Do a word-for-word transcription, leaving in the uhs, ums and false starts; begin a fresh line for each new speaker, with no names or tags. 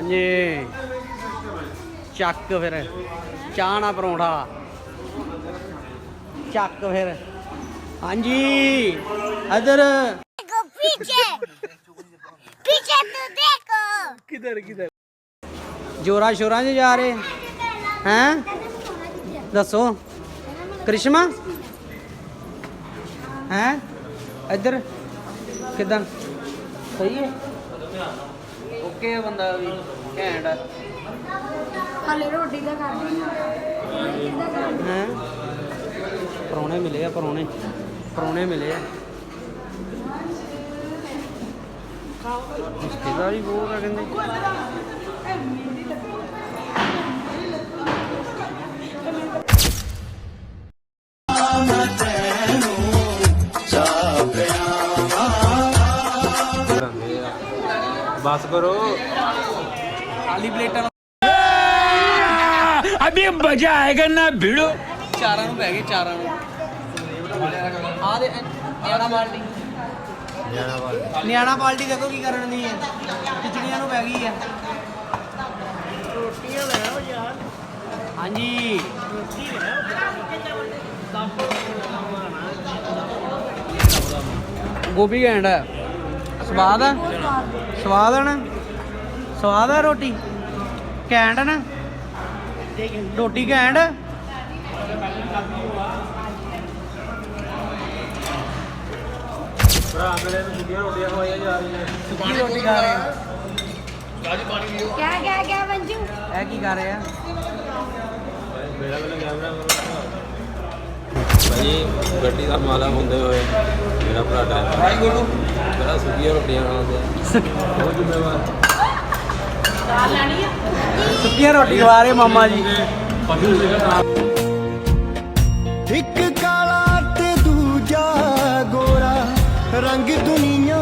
ਹਾਂਜੀ ਚੱਕ ਫਿਰ ਚਾਹ ਨਾ ਪਰੌਂਠਾ ਚੱਕ ਫਿਰ ਹਾਂਜੀ ਇਧਰ
पीछे पीछे तो देखो
किधर किधर जोरा शोरा से जा रहे हैं दसो करिश्मा हैं इधर किधर सही है ओके बंदा भी घैंट
हाले रोटी का कर दी
हैं परौने मिले आ परौने परौने मिले आ रिश्तेदारी बहुत है कहते
बस करो
खाली प्लेटा
अभी मजा आएगा ना भिड़ो
चारा ਨੂੰ ਪੈ ਗਏ ਚਾਰਾਂ ਨੂੰ ਆ ਦੇ ਨਿਆਣਾ ਪਾਲਟੀ ਨਿਆਣਾ ਪਾਲਟੀ ਦੇਖੋ ਕੀ ਕਰਨ ਦੀ ਹੈ ਖਿਚੜੀਆਂ ਨੂੰ ਪੈ ਗਈ ਹੈ ਰੋਟੀਆਂ ਲੈ ਆਓ ਯਾਰ ਹਾਂਜੀ ਗੋਭੀ ਘੈਂਟ ਹੈ ਸਵਾਦ ਹੈ ਸਵਾਦ ਹੈ ਨਾ ਸਵਾਦ ਹੈ ਰੋਟੀ ਘੈਂਟ ਹੈ ਨਾ ਰੋਟੀ ਘੈਂਟ
ਭਰਾ ਮੇਰੇ ਨੂੰ ਸੁੱਕੀਆਂ ਰੋਟੀਆਂ ਖਵਾਈਆਂ ਜਾ ਰਹੀਆਂ
ਸੁੱਕੀ ਰੋਟੀ ਖਾ ਰਹੇ ਆ
क्या क्या क्या मंजू
ਇਹ ਕੀ ਕਰ ਰਹੇ ਆ
ਮੇਰਾ ਮੈਨੂੰ ਕੈਮਰਾ ਭਾਈ ਗੱਡੀ ਦਾ ਮਾਲਾ ਹੁੰਦੇ ਹੋਏ ਮੇਰਾ ਭਰਾ ਡਰਾਈਵਰ ਭਾਈ ਗੁਰੂ ਮੇਰਾ ਸੁੱਕੀਆਂ ਰੋਟੀਆਂ ਖਾਉਂਦੇ ਬਹੁਤ ਜ਼ਿੰਮੇਵਾਰ
ਸੁੱਕੀਆਂ ਰੋਟੀ ਖਵਾ ਰਹੇ ਮਾਮਾ ਜੀ
ਇੱਕ ਕਾਲਾ ਤੇ ਦੂਜਾ ਗੋਰਾ ਰੰਗ ਦੁਨੀਆ